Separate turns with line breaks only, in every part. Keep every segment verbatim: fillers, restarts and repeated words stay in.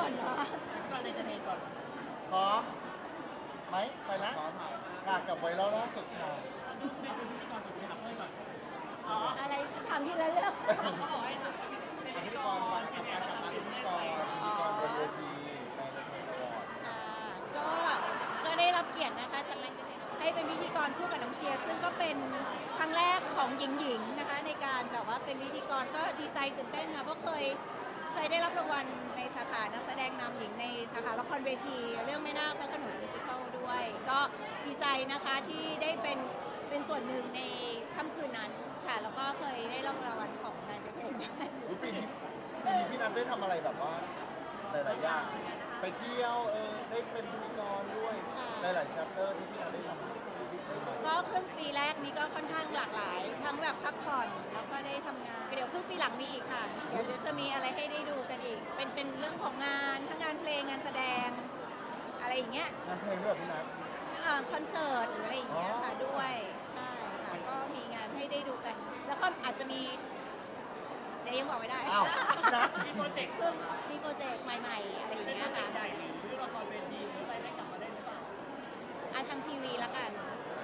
ก่อนเนาะ
ก่อนเลยจะเทก่อน
พร้อมไหมไปละค่ะกับไวรัลล่าสุดค่ะ
สะดุ้งเป็นพิธีกรก่อนไปถามเพื่อนก่อนอ๋อ
อะไรถามทีละเรื่อง
เขาบอกให้ถามเป็นพิธีกรก่อนกับการกลับมาเป็นพิธีกร
พิธีกรบนเวทีในเวทีอวอร์ด
ค่ะก็ก็ได้รับเกียรตินะคะจากแรงกระเทยให้เป็นพิธีกรคู่กับน้องเชียร์ซึ่งก็เป็นครั้งแรกของหญิงๆนะคะในการแบบว่าเป็นพิธีกรก็ดีใจตื่นเต้นค่ะเพราะเคยเคยได้รับรางวัลในสาขานักแสดงนำหญิงในสาขาละครเวทีเรื่องแม่นาคพระโขนงมิวสิคัลด้วยก็ดีใจนะคะที่ได้เป็นเป็นส่วนหนึ่งในค่ำคืนนั้นค่ะแล้วก็เคยได้รับรางวัลของแรงกระเทยด้วย
ปีนี้ปีนี้พี่นัทได้ทำอะไรแบบว่าหลายๆอย่างไปเที่ยวเออได้เป็นพิธีกรด้วยหลายๆแชปเตอร์ที่พี่นัทได้ทำ
ก็ครึ่งปีแรกนี้ก็ค่อนข้างหลากหลายทั้งแบบพักผ่อนแล้วก็ได้ทำงานเดี๋ยวครึ่งปีหลังมีอีกค่ะเดี๋ยวจะมีอะไรให้ได้ดูกันอีกเป็นเป็นเรื่องของงานทั้งงานเพลงงานแสดงอะไรอย่างเงี้ย
งานเพลงด้วยพี่นัท
คอนเสิร์ตหรืออะไรอย่างเงี้ยค่ะด้วยใช่ค่ะก็มีงานให้ได้ดูกันแล้วก็อาจจะมีเดี๋ยวยังบอกไม่ได้
อ้าวนัท
มีโปรเจกต์
คือมีโปรเจกต์ใหม่ๆอะไรอย่างเงี้ยค่ะ
ใหญ่หรือละครเวทีหรืออะไรได้กลับมาเล่นหรือเปล่า
อ่ะทางทีวีละกัน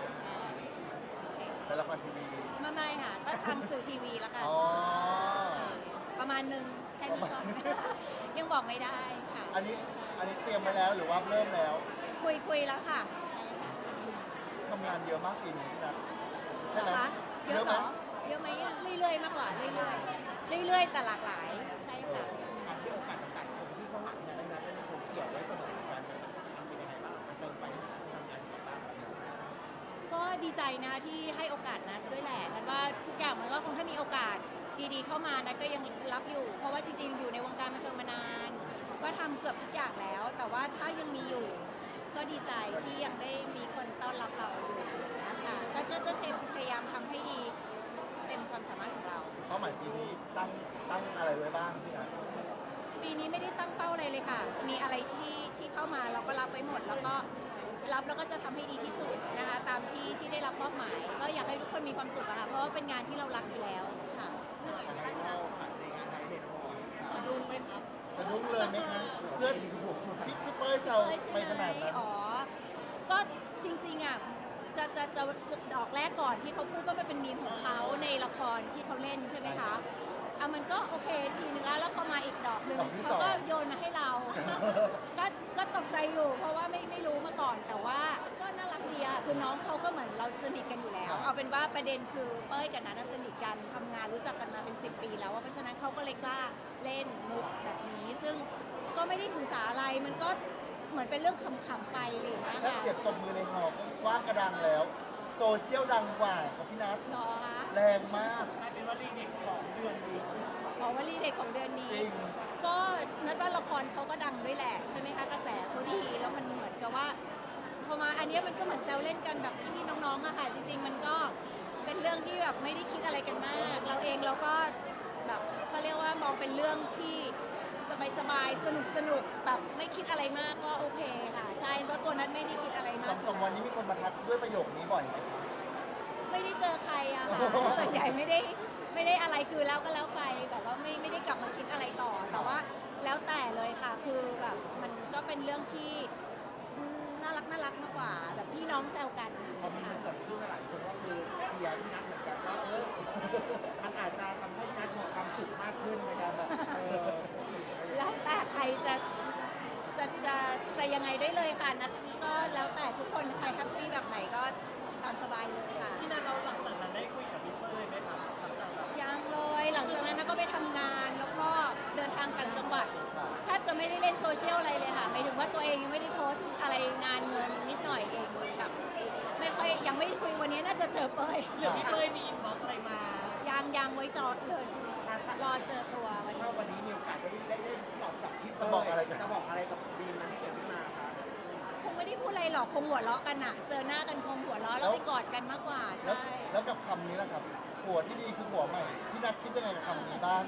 ในละครทีวี
ไม่ไม่ค่ะก็ทางสื่อทีวีละกันประมาณหนึ่งแค่นี้ก่อนยังบอกไม่ได้ค่ะ
อันนี้อันนี้เตรียมไว้แล้วหรือว่าเริ่มแล้ว
คุยคุยแล้วค่ะใช่ค่ะ
ทำงานเยอะมากปีนี้พี่นัทใช่ไหม
เยอะเหรอเยอะไหมเรื่อยๆมากกว่าเรื่อยๆเรื่อยๆแต่หลากหลายใช่ค่ะ
การที่โอกาสต่างๆคนที่เข้าหาเนี่ยนั้นก็ยังคงเกี่ยวไว้เสมอกันมันเป็นยังไงบ้างมันเติมไปทำงานต่างๆ
ก็ดีใจนะที่ให้โอกาสนัดด้วยแหละนัดว่าทุกอย่างมันก็คงถ้ามีโอกาสดีๆเข้ามานัดก็ยังรับอยู่เพราะว่าจริงๆอยู่ในวงการบันเทิงมานานก็ทำเกือบทุกอย่างแล้วแต่ว่าถ้ายังมีอยู่ก็ดีใจที่ยังได้มีคนต้อนรับเราอยู่นะคะก็จะจะพยายามทำให้ดีเต็มความสามารถของเรา
เป้าหมายปีนี้ตั้งตั้งอะไรไว้บ้างพี่นัท
ปีนี้ไม่ได้ตั้งเป้าอะไรเลยค่ะมีอะไรที่ที่เข้ามาเราก็รับไว้หมดแล้วก็รับแล้วก็จะทำให้ดีที่สุดนะคะตามที่ที่ได้รับมอบหมายก็อยากให้ทุกคนมีความสุขอะค่ะเพราะว่าเป็นงานที่เรารักอยู่แล้วค่ะ
ในเล่าในงานในเด็กน้อง
สะดุ้งไหมครับ
สะดุ้งเลยไหมคะเพื่อนพี่พี่เป้ยเซาไปขนาดนั้น
อ๋อก็จริงๆอ่ะจะจะจะดอกแรกก่อนที่เขาพูดว่ามันเป็นมีมของเขาในละครที่เขาเล่นใช่ไหมคะอ่ะมันก็โอเคทีนึงแล้วแล้วพอมาอีกดอกหนึ่งเขาก็โยนมาให้เราก็ก็ตกใจอยู่เพราะว่าไม่ไม่รู้มาก่อนแต่ว่าก็น่ารักดีอะคือน้องเขาก็เหมือนเราสนิทกันอยู่แล้วเอาเป็นว่าประเด็นคือเป้ยกับนัทสนิทกันทำงานรู้จักกันมาเป็นสิบปีแล้วเพราะฉะนั้นเขาก็เลยกล้าเล่นมุกแบบนี้ซึ่งก็ไม่ได้ถือสาอะไรมันก็เหมือนเป็นเรื่องขำๆไปเลยนะ
ถ้า
คะ
เสียบตบมือในหอก็ว่างกระดังแล้วโซเชียลดังกว่าครับพี่นัท
หรอคะ
แรงมาก
กลายเป็นวลีเด็กของเดือนนี้
อ๋อวลีเด็กของเดือนนี้ก็นัดว่าละครเขาก็ดังด้วยแหละใช่ไหมคะกระแสเขาดีแล้วมันเหมือนกับว่าพอมาอันนี้มันก็เหมือนแซวเล่นกันแบบพี่ๆน้องๆอะค่ะจริงๆมันก็เป็นเรื่องที่แบบไม่ได้คิดอะไรกันมากเราเองเราก็แบบเขาเรียกว่ามองเป็นเรื่องที่สบายๆสนุกๆแบบไม่คิดอะไรมากก็โอเคค่ะใช่เพราะตัวนั้นไม่ได้คิดอะไรมาก
สองวันนี้มีคนมาทักด้วยประโยคนี้บ่อยไหมคะ
ไม่ได้เจอใครอะค่ะส่วนใหญ่ไม่ได้ไม่ได้อะไรคือแล้วก็แล้วไปแบบว่าไม่ไม่ได้กลับมาคิดอะไรต่อแต่ว่าแล้วแต่เลยค่ะคือแบบมันก็เป็นเรื่องที่น่ารักน่ารักมากกว่าแบบพี่น้องแซวกัน
พอมีมันเกิดขึ้นหลายคนก็คือเชียร์พี่นัทเหมือนกันว่าเออมันอาจจะทำให้พี่นัทมีความสุขมากขึ้นในการแบบเออ
แล้วแต่ใครจะจะจะจะยังไงได้เลยค่ะนัทก็แล้วแต่ทุกคนใครแฮปปี้แบบไหนก็ตามสบายเลยค่ะ
พี่นัทเราหลังจากนั้นได้คุยกับพี่เป้ยไหมครับหลังจากแบบ
ยังเลยหลังจากนั้นก็ไปทำงานแล้วก็เดินทางต่างจังหวัดแทบจะไม่ได้เล่นโซเชียลอะไรเลยค่ะหมายถึงว่าตัวเองยังไม่ได้โพสต์อะไรงานเงินนิดหน่อยเองแบบไม่ค่อยยังไม่ได้คุยวันนี้น่าจะเจอเป้ย
หรือพี่เป้ยมีอินบ็อกซ์อะไรมา
ยังยังไว้จอดเลยรอเจอตัววันนี้
ถ้าวันนี้มีโอกาสได้ได้ได้ตอบกับพี่เป้ยจะบอกอะไรจะบอกอะไรกับบีมมันที่เกิดขึ้นมาครับ
คงไม่ได้พูดอะไรหรอกคงหัวเราะกันอะเจอหน้ากันคงหัวเราะแล้วไปกอดกันมากกว่าใช่
แล้วกับคำนี้แหละครับผัวที่ดีคือผัวใหม่พี่นัทคิดยังไงกับคำนี้บ้าง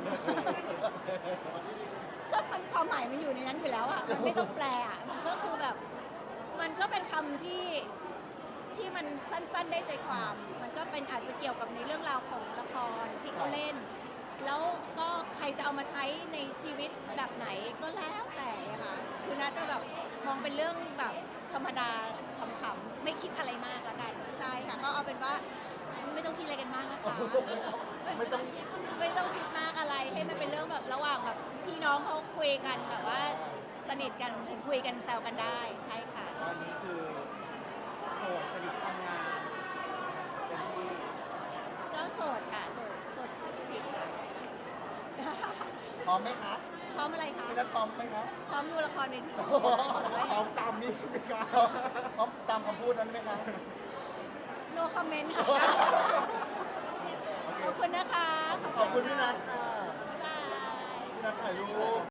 ก็มันความหมายมันอยู่ในนั้นอยู่แล้วอ่ะมันไม่ต้องแปลอ่ะมันก็คือแบบมันก็เป็นคำที่ที่มันสั้นๆได้ใจความมันก็เป็นอาจจะเกี่ยวกับในเรื่องราวของละครที่เขาเล่นแล้วก็ใครจะเอามาใช้ในชีวิตแบบไหนก็แล้วแต่องเป็นเรื่องแบบธรรมดาขำๆไม่คิดอะไรมากละกันใช่ค่ะก็เอาเป็นว่าไม่ต้องคิดอะไรกันมากนะคะ
ไม่ต้อง
ไม่ต้องคิดมากอะไรให้มันเป็นเรื่องแบบระหว่างแบบพี่น้องเขาคุยกันแบบว่าสนิทกันคุยกันแซวกันได้ใช่ค่ะ
ตอนนี้คือโสดสนิททำงานเป็นที่
ก็โสดค่ะโสดโสดสนิทค่ะ
พร้อมไหมคะ
พร้อมอะไรคะ
พี่นัทพร้อมไหมคะ
พร้อมดูละครเวที
พร้อมตามนี้ไหมครับ
พร้อมตามคำพูดนั้นไหมคะ
no comment ค่ะ ขอบคุณนะคะ
ขอบคุณพี่นัทค่ะ
บ๊ายบาย
พี่นัทถ่ายรูป